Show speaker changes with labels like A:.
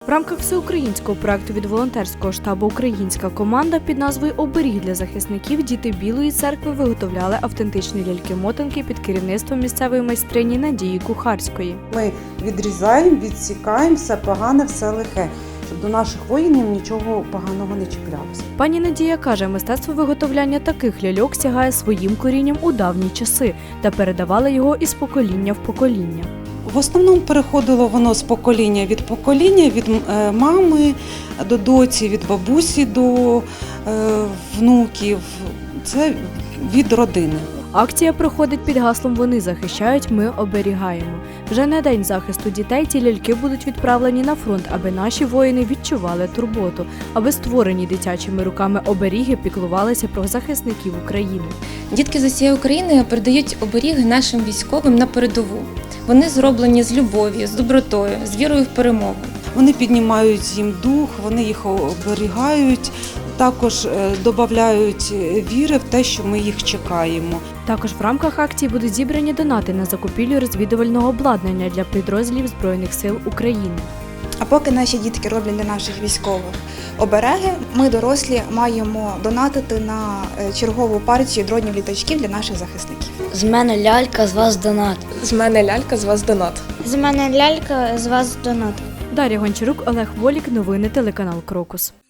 A: В рамках всеукраїнського проекту від волонтерського штабу «Українська команда» під назвою «Оберіг для захисників» діти Білої церкви виготовляли автентичні ляльки-мотанки під керівництвом місцевої майстрині Надії Кухарської.
B: Ми відрізаємо, відсікаємо все погане, все лихе, щоб до наших воїнів нічого поганого не чіплялося.
A: Пані Надія каже, мистецтво виготовляння таких ляльок сягає своїм корінням у давні часи та передавала його із покоління в покоління.
B: В основному переходило воно з покоління, від мами до доці, від бабусі до внуків. Це від родини.
A: Акція проходить під гаслом «Вони захищають, ми оберігаємо». Вже на День захисту дітей ці ляльки будуть відправлені на фронт, аби наші воїни відчували турботу, аби створені дитячими руками оберіги піклувалися про захисників України.
C: Дітки з усієї України передають оберіги нашим військовим на передову. Вони зроблені з любов'ю, з добротою, з вірою в перемогу.
B: Вони піднімають їм дух, вони їх оберігають, також додають віри в те, що ми їх чекаємо.
A: Також в рамках акції будуть зібрані донати на закупівлю розвідувального обладнання для підрозділів Збройних сил України.
D: А поки наші дітки роблять для наших військових обереги, ми, дорослі, маємо донатити на чергову партію дронів-літачків для наших захисників.
E: З мене лялька, з вас донат.
F: З мене лялька, з вас донат.
G: З мене лялька, з вас донат.
A: Дар'я Гончарук, Олег Волік. Новини телеканал «Крокус».